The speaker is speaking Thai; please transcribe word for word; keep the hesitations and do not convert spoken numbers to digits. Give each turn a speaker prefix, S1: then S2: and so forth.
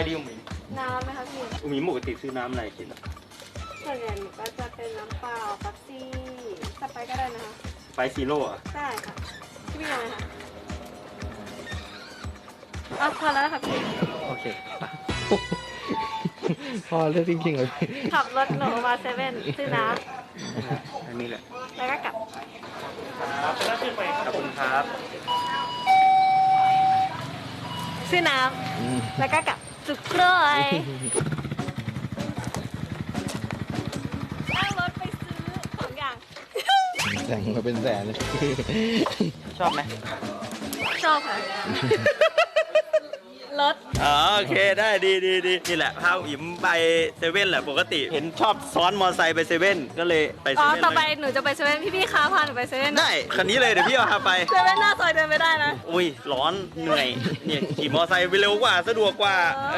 S1: ดีอุ๋มอิ๋ม
S2: น้ำไหมคะพี่
S1: อุ๋มอิ๋มปกติซื้อน้ำอะไรกินอะ
S2: ส่วนใหญ่หนูก็จะเป็นน้ำเปล่าเป๊ปซี่สไปร์ก็ได้นะคะ
S1: ไปซีโร่อะ
S2: ได้ค่ะพี่มีอะไรคะเอาพอแล้วนะคะพี่
S1: โอเค
S3: พอเลือกจริงๆเลย
S2: ขับรถหนูมาเซเว่นซื้อน้
S1: อันนี้แหละ
S2: ำแล้วก็กลับ
S1: ขอบคุณครับ
S2: ซื้อน้
S3: อืม
S2: ำแล้วก็กลับสุดกล้วยนั่งรถไปซื้อสองอย่าง
S3: แต่งมาเป็นแสนเลย
S1: ชอบไหม
S2: ชอบค่ะ รถ
S1: อ๋อโอเคได้ดีดีดีนี่แหละพาอุ๋มอิ๋มไปเซเว่นแหละปกติ เห็นชอบซ้อนมอไซค์ไปเซเว่นก็เลยไปเซ
S2: อ๋อ
S1: เว่น
S2: ต่อไป
S1: เลย
S2: หนูจะไปเซเว่นพี่ๆคะพาหนูไปเซเว่น
S1: ได้คันนี้เลยเดี๋ยวพี่เอาพาไป
S2: เซเว่นหน้าซอยเดินไม่ได้นะ
S1: อุ้ยร้อนเหนื่อยเนี่ยขี่มอไซค์ไปเร็วกว่าสะดวกกว่า